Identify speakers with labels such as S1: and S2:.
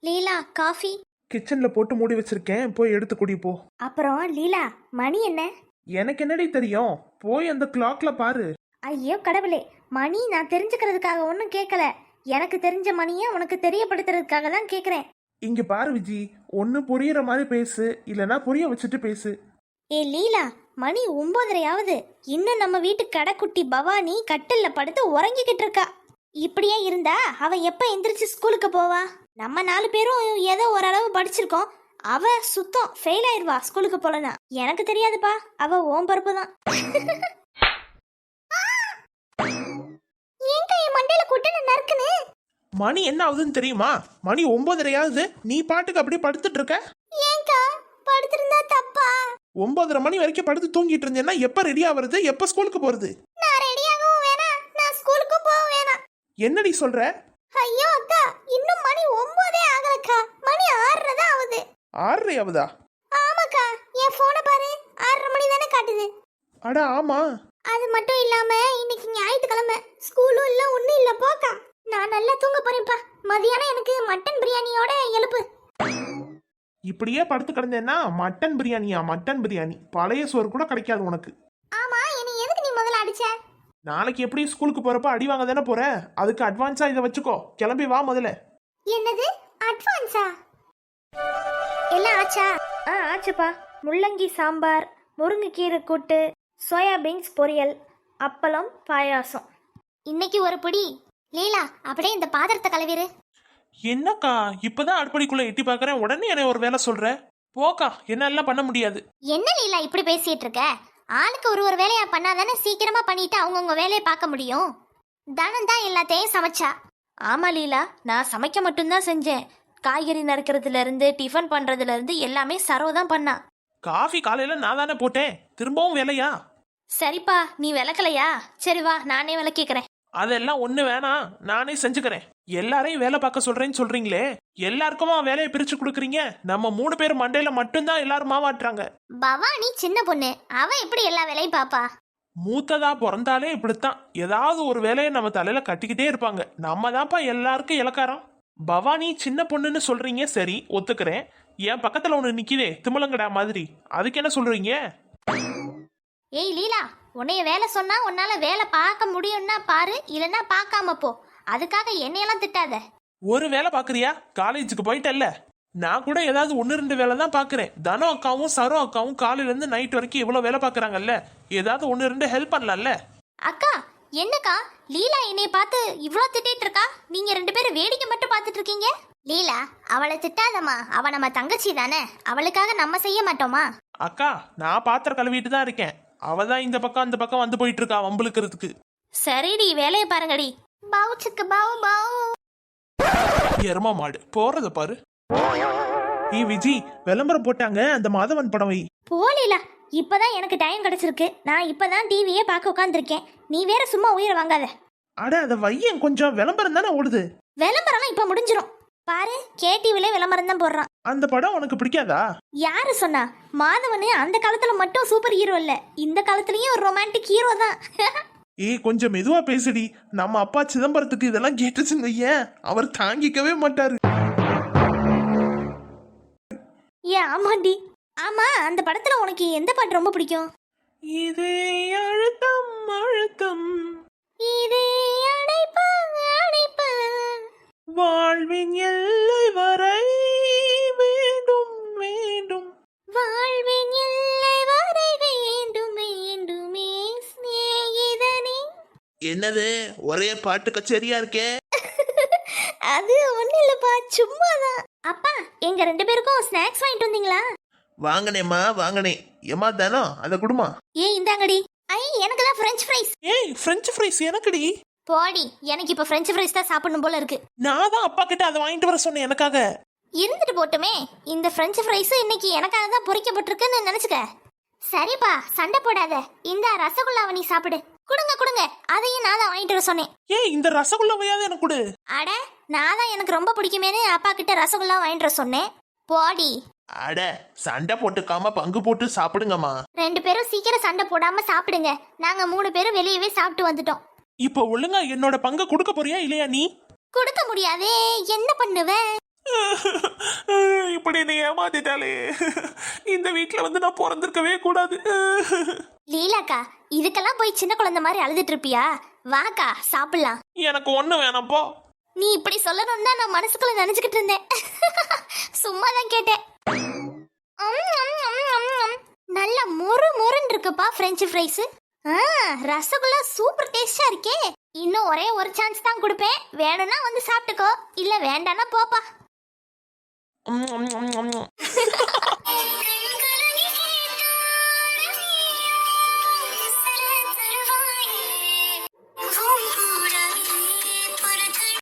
S1: லீலா coffee.
S2: கிச்சன்ல போட்டு மூடி வச்சிருக்கேன், போய் எடுத்து குடி போ.
S1: அப்புறம் லீலா, மணி என்ன?
S2: எனக்கு என்னடி தெரியும், போய் அந்த கிளாக்ல பாரு.
S1: ஐயோ கடவுளே, மணி நான் தெரிஞ்சுக்கிறதுக்காக ஒன்றும் கேட்கல. எனக்கு தெரிஞ்ச மணியை உனக்கு தெரியப்படுத்துறதுக்காக தான் கேட்குறேன்.
S2: இங்க பாரு விஜி, ஒன்னு புரியுற மாதிரி பேசு, இல்லனா புரிய வச்சுட்டு பேசு.
S1: ஏ லீலா, மணி 9:30 இன்னும் நம்ம வீட்டு கடைக்குட்டி பவானி கட்டில்ல படுத்து உறங்கிக்கிட்டு இருக்கா. இப்படியே இருந்தா அவ எப்ப எந்திரிச்சு ஸ்கூலுக்கு போவா? நம்ம 4 பேரும் ஏதோ ஓரளவு படிச்சிருக்கோம். அவ சுத்தம் ஃபெயில் ஆயிருவா ஸ்கூலுக்கு போலனா. எனக்கு தெரியாதுப்பா, அவ ஓம் பருப்பு தான். ஏங்க என் மண்டையில குட்டன நறுக்குன்னு?
S2: மணி என்ன ஆகுதுன்னு தெரியுமா? மணி 9:30 நீ பாட்டுக்கு அப்படியே படுத்துட்டு இருக்க.
S1: ஏங்க படுத்திருந்தா தப்பா?
S2: 9:30 மணி வரைக்கும் படுத்து தூங்கிட்டு இருந்தேன்னா எப்ப ரெடி ஆவறது, எப்ப ஸ்கூலுக்கு போறது?
S1: நான் ரெடியாகவும் வேணாம், நான் ஸ்கூலுக்கு போக வேணாம்.
S2: என்னடி சொல்ற?
S1: ஐயோ அக்கா, இன்னும் மணி 9 ஆகலக்கா. மணி 6 தான் ஆகுது.
S2: 6 ஆகுதா?
S1: ஆமாக்கா, என் போனை பாரு, 6:30 மணி தானே காட்டுது.
S2: அட ஆமா.
S1: அது மட்டும் இல்லாம இன்னைக்கு ஞாயிற்றுக்கிழமை, ஸ்கூலும் இல்ல ஒண்ணும் இல்ல. போக்கா, நான் நல்லா தூங்க போறேன்ப்பா. மதியானம் எனக்கு மட்டன் பிரியாணியோட எழுப்பு.
S2: இப்படியே படுத்து கிடந்தேன்னா மட்டன் பிரியாணியா? மட்டன் பிரியாணி பழைய சோறு கூட கிடைக்காது உனக்கு.
S1: ஆமா, என்னை எதுக்கு நீ முதல்ல அடிச்ச?
S2: நாளைக்கு எப்படி ஸ்கூலுக்கு போறப்ப அடி வாங்க தானே போற, அதுக்கு அட்வான்ஸா இதை வச்சுக்கோ. கிளம்பி வா முதல்ல.
S1: என்னது அட்வான்ஸா? எல்லாம் ஆச்சா? ஆச்சுப்பா. முள்ளங்கி சாம்பார், முருங்கைக்கீரை கூட்டு, சோயாபீன்ஸ் பொரியல், அப்பளம், பாயாசம். இன்னைக்கு ஒரு பிடி. லீலா, அப்படியே இந்த பாத்திரத்தை கழுவிரு.
S2: என்னக்கா இப்பதான் அடுப்படிக்குள்ள எட்டி பாக்குறேன், உடனே என்ன ஒரு வேலை சொல்ற? போக்கா, என்னால பண்ண முடியாது.
S1: என்ன லீலா இப்படி பேசிட்டு இருக்க? ஆளுக்கு ஒரு வேலையா பண்ணாதானே சீக்கிரமா பண்ணிட்டு அவங்கவுங்க வேலையை பார்க்க முடியும். தனம் தான் எல்லாத்தையும் சமைச்சா. ஆமா லீலா, நான் சமைக்க மட்டும்தான் செஞ்சேன். காய்கறி நறுக்கிறதுல இருந்து டிஃபன் பண்றதுல இருந்து எல்லாமே சரோ தான் பண்ணா.
S2: காஃபி காலையில நான் தானே போட்டேன், திரும்பவும் வேலையா?
S1: சரிப்பா, நீ விளக்கலையா? சரி வா, நானே விளக்கிக்கிறேன்.
S2: அதெல்லாம் ஒண்ணு வேணாம், நானே செஞ்சுக்கிறேன். எல்லாரையும் வேலை பார்க்க சொல்றேன்னு சொல்றீங்களே, எல்லாருக்குமா வேலையை பிரிச்சு கொடுக்குறீங்க? நம்ம 3 பேர் மண்டையில மட்டும்தான் எல்லாரும் மாவாட்டுறாங்க.
S1: பவானி சின்ன பொண்ணு, அவ எப்படி எல்லா வேலையும் பாப்பா?
S2: மூத்ததா பிறந்தாலே இப்படித்தான், ஏதாவது ஒரு வேலையை நம்ம தலையில கட்டிக்கிட்டே இருப்பாங்க. நம்ம தான்ப்பா எல்லாருக்கும் இலக்காரம். பவானி சின்ன பொண்ணுன்னு சொல்றீங்க, சரி ஒத்துக்கிறேன். என் பக்கத்துல ஒண்ணு நிக்குதே திமிலங்கடா மாதிரி, அதுக்கு என்ன சொல்றீங்க?
S1: ஏய் லீலா, உன்னைய வேலை சொன்னா உன்னால வேலை பார்க்க முடியும்னா பாரு, இல்லைன்னா பார்க்காம போ. அதுக்காக என்னையெல்லாம் திட்டாத.
S2: ஒரு வேலை பாக்குறியா? காலேஜுக்கு போயிட்டல்ல, நான் கூட ஏதாவது 1-2 வேலை தான் பாக்குறேன். தனோ அக்காவும் சரோ அக்காவும் காலையில இருந்து நைட் வரைக்கும் இவ்வளவு வேலை பாக்குறாங்கல்ல, ஏதாவது 1-2 ஹெல்ப் பண்ணலாம்ல?
S1: அக்கா, என்னக்கா லீலா என்னைய பார்த்து இவ்ளோ திட்டிட்டு இருக்கா? நீங்க 2 பேரும் வேடிக்கை மட்டும் பார்த்துட்டு இருக்கீங்க. லீலா, அவளை திட்டாதம்மா, அவ நம்ம தங்கச்சி தானே, அவளுக்காக நம்ம செய்ய மாட்டோமா?
S2: அக்கா, நான் பாத்திரம் கழுவிட்டு தான் இருக்கேன், அவதான் இந்த பக்கம் அந்த பக்கம் வந்து போயிட்டு இருக்கா வம்புழுக்கிறதுக்கு.
S1: சரிடி, வேலையை பாருங்கடி. பவுச்சுக்கு பவு பவு.
S2: எருமா மாடு போறத பாரு. விஜி, விளம்பரம் போட்டாங்க, அந்த மாதவன் படம் வை.
S1: போலீலா, இப்பதான் எனக்கு டைம் கிடைச்சிருக்கு. நான் இப்பதான் டிவியே பார்க்க உட்காந்துருக்கேன். நீ வேற சும்மா உயிரை வாங்காத.
S2: அட அத வையன், கொஞ்சம் விளம்பரம் தானே ஓடுது.
S1: விளம்பரம்லாம் இப்ப முடிஞ்சிரும். பாரு, கேடிவில விளம்பரம் தான் போடுறான்.
S2: அந்த படம் உனக்கு பிடிக்காதா?
S1: யாரு சொன்னா? மாதவனு அந்த காலத்துல மட்டும் சூப்பர் ஹீரோ இல்ல, இந்த காலத்துலயும் ஒரு ரொமான்டிக் ஹீரோ தான்.
S2: கொஞ்சம் மெதுவா பேசுடி. நம்ம அப்பா சிதம்பரத்துக்கு இதெல்லாம் கேட்டுச்சுன்னு வையேன், அவர் தாங்கிக்கவே மாட்டாரு.
S1: ஆமாண்டி. ஆமா, அந்த படத்துல உனக்கு எந்த பாட்டு ரொம்ப பிடிக்கும்?
S2: இதே அழுத்தம் அழுத்தம்,
S1: இதே அடைப்பு அடைப்பு,
S2: வாழ்வின் எல்லை வரை வேண்டும் வேண்டும்,
S1: வாழ்வின் எல்லை வரை வேண்டும் வேண்டுமே சிநேகிதனே.
S2: என்னது ஒரே பாட்டு கச்சேரியா இருக்கே?
S1: அது ஒண்ணு இல்லப்பா, சும்மாதான். அப்பா, எங்க 2 பேருக்கும் ஸ்நாக்ஸ் வாங்கிட்டு வந்தீங்களா?
S2: வாங்கனேம்மா வாங்கனே. ஏமா தானோ அத குடுமா.
S1: இந்தாங்கடி. எனக்கு தான் ஃப்ரெஞ்ச் ஃப்ரைஸ்.
S2: ஃப்ரெஞ்ச் ஃப்ரைஸ் எனக்குடி.
S1: போடி, எனக்கு இப்ப ஃப்ரெஞ்ச் ஃப்ரைஸ் தான் சாப்பிடணும் போல இருக்கு.
S2: நான் தான் அப்பா கிட்ட அதை வாங்கிட்டு வர சொன்னேன் எனக்காக.
S1: இருந்துட்டு போட்டுமே, இந்த ஃப்ரெஞ்ச் ஃப்ரைஸ் இன்னைக்கு எனக்காக தான் பொரிக்கப்பட்டிருக்குன்னு நினைச்சுக்க. சரிப்பா, சண்டை போடாத. இந்த ரசகுல்லாவை நீ சாப்பிடு. குடுங்க குடுங்க, அதையும் நான் தான் வாங்கிட்டு வர சொன்னேன்.
S2: இந்த ரசகுல்லாவையாவது எனக்கு கொடு.
S1: அட, நான் தான் எனக்கு ரொம்ப பிடிக்குமேனு அப்பா கிட்ட ரசகுல்லா வாங்கிட்டு வர சொன்னேன். போடி.
S2: அட, சண்டை போட்டுக்காம பங்கு போட்டு சாப்பிடுங்கம்மா.
S1: 2 பேரும் சீக்கிரம் சண்டை போடாம சாப்பிடுங்க. நாங்க 3 பேரும் வெளியவே சாப்பிட்டு வந்துட்டோம்.
S2: இப்போ ஒழுங்கா என்னோட பங்கு கொடுக்க போறியா இல்லையா? நீ
S1: கொடுக்க முடியாதே, என்ன பண்ணுவ?
S2: இப்படி நீ ஏமாத்திட்டாலே, இந்த வீட்டுல வந்து நான் பிறந்திருக்கவே கூடாது.
S1: லீலாக்கா, இதுக்கெல்லாம் போய் சின்ன குழந்தை மாதிரி அழுதுட்டு இருப்பியா? வாக்கா சாப்பிடலாம்.
S2: எனக்கு ஒண்ணு வேணாம் போ.
S1: நீ இப்படி சொல்லணும்னு தான் நான் மனசுக்குள்ள நினைச்சுக்கிட்டு இருந்தேன். சும்மா தான் கேட்டேன். நல்ல மொறு மொறுன்னு இருக்குப்பா ஃப்ரெஞ்ச் ஃப்ரைஸ். ரசகுல்லா சூப்பர் டேஸ்டா இருக்கே. இன்னும் ஒரே ஒரு சான்ஸ் தான் கொடுப்பேன். வேணும்னா வந்து சாப்பிட்டுக்கோ, இல்ல வேண்டாம்னா போப்பா.